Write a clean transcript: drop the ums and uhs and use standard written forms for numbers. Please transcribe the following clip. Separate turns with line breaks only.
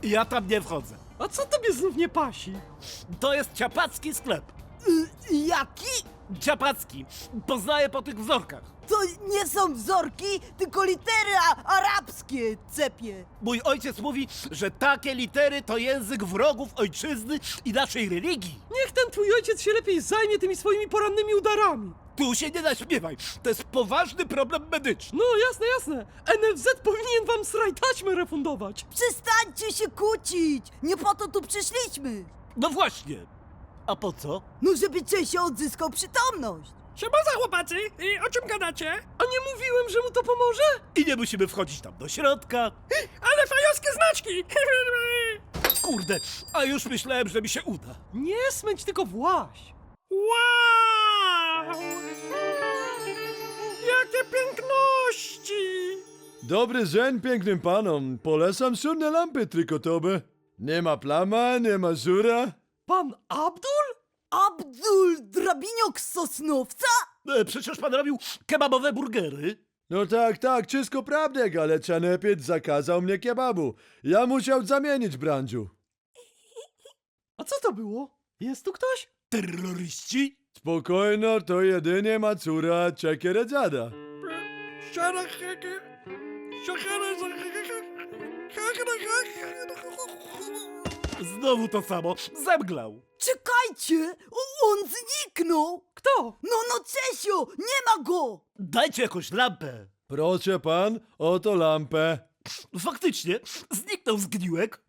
Ja tam nie wchodzę.
A co tobie znów nie pasi?
To jest ciapacki sklep.
Jaki?
Ciapacki. Poznaję po tych wzorkach.
To nie są wzorki, tylko litery arabskie, cepie.
Mój ojciec mówi, że takie litery to język wrogów ojczyzny i naszej religii.
Niech ten twój ojciec się lepiej zajmie tymi swoimi porannymi udarami.
Tu się nie naśmiewaj. To jest poważny problem medyczny.
No jasne, jasne. NFZ powinien wam sraj taśmę refundować.
Przestańcie się kłócić! Nie po to tu przyszliśmy!
No właśnie. A po co?
No żeby Czesio odzyskał przytomność!
Siema za chłopacy! I o czym gadacie?
A nie mówiłem, że mu to pomoże?
I nie musimy wchodzić tam do środka.
Ale fajowskie znaczki!
Kurde, a już myślałem, że mi się uda.
Nie smęć, tylko właś.
Wow! Jakie piękności!
Dobry dzień pięknym panom. Polecam szurne lampy trykotowe. Nie ma plama, nie ma żura.
Pan Abdul?
Abdul Drabiniok z Sosnowca?
Przecież pan robił kebabowe burgery.
No tak, wszystko prawdek, ale Czanepiec zakazał mnie kebabu. Ja musiał zamienić branżu.
A co to było? Jest tu ktoś?
Terroryści?
Spokojno, to jedynie Macura Czekieredzada.
Znowu to samo. Zemglał.
Czekajcie! On zniknął!
Kto?
No Czesio! Nie ma go!
Dajcie jakąś lampę.
Proszę pan, oto lampę.
Faktycznie, zniknął zgniłek.